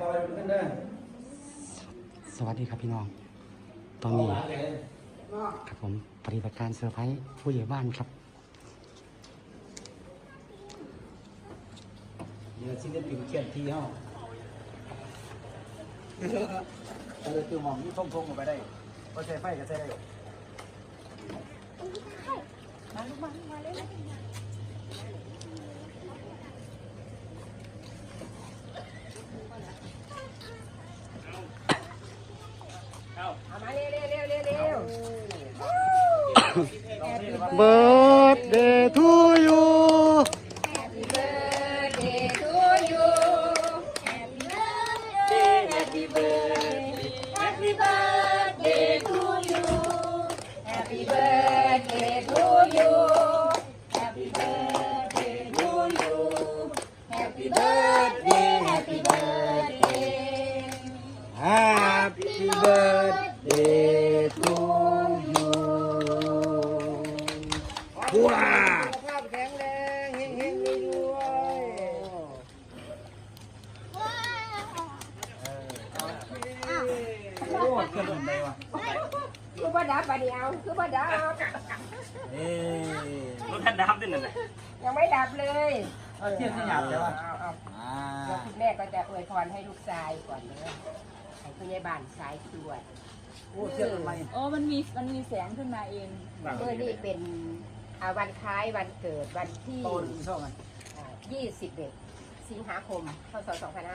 สวัสดีครับพี่น้องตอนนี้ครับผมปฏิบัติการเซอร์ไพรส์ผู้ใหญ่บ้านครับเดี๋ยวชิ้นนี้ปิ่นเขียนที่ห้องคือหมองนี่ท่งๆออกไปได้ก็ใช้ไฟก็ใช้ได้มาลูกมาเลยเอามาเร็ว Birthday to you Happy birthday to you Happy birthday Happy birthday to you Happy birthday to you Happy birthday to you Happy birthday Happy birthday Happy birthday to you ว้าสุขภาพแข็งแรงเฮงๆรวยโอ้เครื่องอะไรวะๆคือบ่ดับบัดนี้เอาคือบ่ดับเอ๊ะรถท่านดับด้วยนั่นแหละยังไม่ดับเลยเทียนขยับใช่ป่ะเอาอ่าแล้วคุณแม่ก็จะอวยพรให้ลูกชายก่อนเลยให้คุณยายบ้านสายตรวจโอ้เทียนทำไมโอ้มันมีแสงขึ้นมาเองเมื่อนี่เป็นวันคล้ายวันเกิดวันที่โตนช่องไง 21 สิงหาคม พศ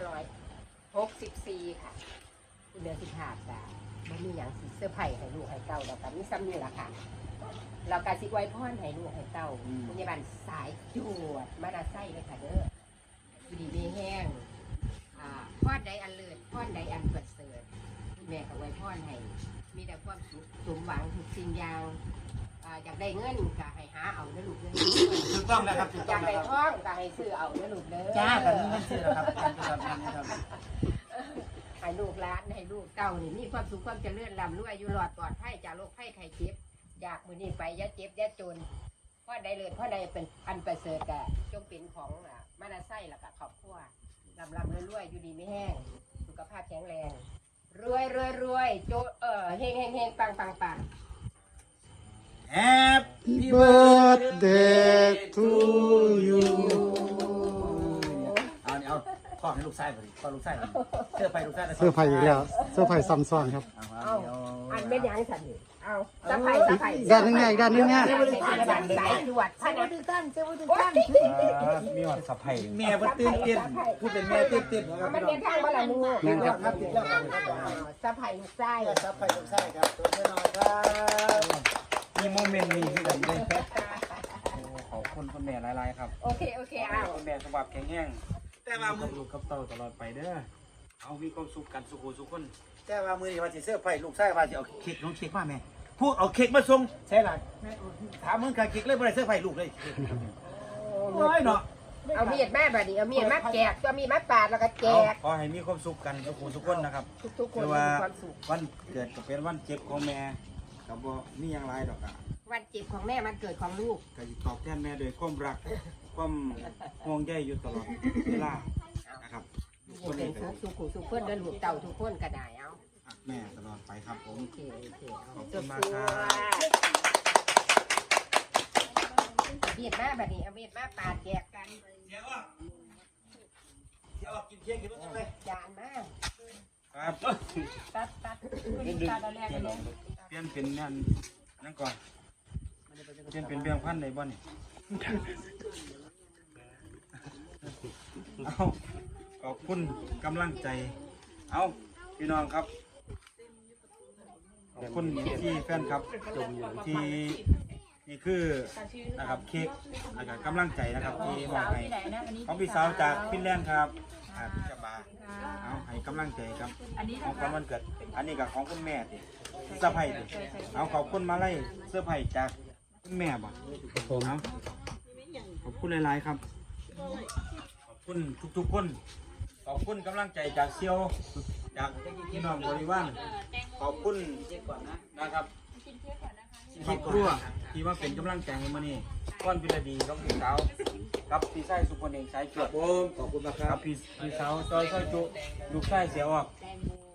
2564 ค่ะ คุณเดือน15 จ้ะมันมีอย่างสิเสื้อร์ไผ่ให้ลูกให้เต้าแล้วกันนี่ซ้ำนี่แหละค่ะ เราการสิไว้พรให้ลูกให้เต้าคุณยายบ้านสายจวดมาดาไส้เลยค่ะเด้ออยู่ดีมีแห้งพรใดอันเลิศพรใดอันประเสริฐคุณแม่ก็ไว้พรให้มีแต่ความสุขสมหวังทุกสิ่งอย่างอยากได้เงินก็ให้หาเอาเด้อลูกเด้อถูกต้องนะครับถูกอต้ยาองกนะได้ครับท้องก็ให้ซื้อเอาเด้อลูกเด้อจ้ากันนี่ไม่ใช่นะครับครับให้ลูกหลานให้ลูกเต้านี่มีความสุขความเจริญร่ำรวยอยู่หลอดปลอดภัยจากโรคภัยไข้เจ็บอยากมื้อนี้ไปอย่าเจ็บอย่าจนพ่อใดเลิศพ่อใดเป็นอันประเสริฐก็จงเป็นของมานาไส้แล้วก็ครอบครัวร่ำรวยอยู่ดีไม่แห้งสุขภาพแข็งแรงรวยโจเฮงปัง Happy Birthday to you เอาพ่อให้ลูกไส้พอดีพ่อลูกไส้เสื้อไฟลูกไส้เสื้อร์ไผ่อีกแล้วเสื้อร์ไผ่ซ้ำซ้อนครับเอาอันไม่ยังสันนี่เอาสะไผ่ด้านนึงไงด้านนึงไงสายตรวจใช่ไหมมีหอดสับไผ่แม่ตื่นเต้นพูดเป็นแม่ตื่นเต้นนะครับมันเรียนทางว่าละลูกนี่ครับครับติดแล้วครับสะไผ่ไส้สับไผ่ลูกไส้ครับตัวน้อยครับมีโมเมนต์นี้ที่กันเลยขอบคุณคุณแม่หลายๆครับโอเคเอาคุณแม่สบับแข็งแรงแต่ว่ามือลูกกับเต่าตลอดไปเด้อเอามีความสุขกันสุขุสุขคนแต่ว่ามือนี้ว่าสิเสื้อไผ่ลูกไส้ว่าสิเอาเค้กน้องเค้กมาแม่พูดเอาเค้กมาส่งใช่หรอถามมึงการเค้กเลยบ่ได้เสื้อไผ่ลูกเลยโอ้ยเนาะเอามีดแม่แบบนี้เอามีดมาแจกตัวมีดมาปาดแล้วก็แจกขอให้มีความสุขกันสุขุสุขคนนะครับทุกคนคือมีว่าความสุขวันเกิดก็เป็นวันเจ็บของแม่กับบ่มีอย่างไรดอกอ่ะวันเจ็บของแม่มันเกิดของลูกก็สิตอบแทนแม่โดยความรักความห่วงใยอยู่ตลอดเวลานะครับทุกคนเลเป็ยนครับสุขเพื่อนเดินลูกเต่าทุกคนก็ได้เอาแม่ตลอดไปครับผมโอเคเอาขอบจคุณบมากตัวครับมีดมาแบบนี้เอามีดมาปาดแจกกันเดี๋ยวกินเค้กกินรถเลยจานมาครับตัดตัดอันแรกเลยเปลี่ยนเป็นนั่นก่อนเปลี่ยนเป็นเบี้ยงพันในบ่นี่เอาขอบคุณกำลังใจเอาพี่น้องครับขอบคุณที่แฟนครับที่นี่คือนะครับเค้กนะครับกำลังใจนะครับที่มอบให้ที่ไหนนะอันนี้ของพี่สาวจากฟินแลนด์ครับพี่จบาเอาให้กำลังใจครับอันนี้ของขวัญวันเกิดอันนี้กับของคุณแม่ดิเสื้อไผ่ดิเอาขอบคุณมาไล่เสื้อไผ่จากคุณแม่บ่ครับผมเอาขอบคุณหลายๆครับ ขอบคุณทุกๆคน ขอบคุณกำลังใจจากเซียวจากพี่น้องบริวารขอบคุณนะครับเซีครอบครัวที่มาเป็นกำลังใจให้มื้อนี้ก้อนพิรดีกับพี่สาวกับพี่ชายสุพลเองสายจวดผมขอบคุณนะครักับบพี่สาวจอยซอยจุลูกชายเสียออก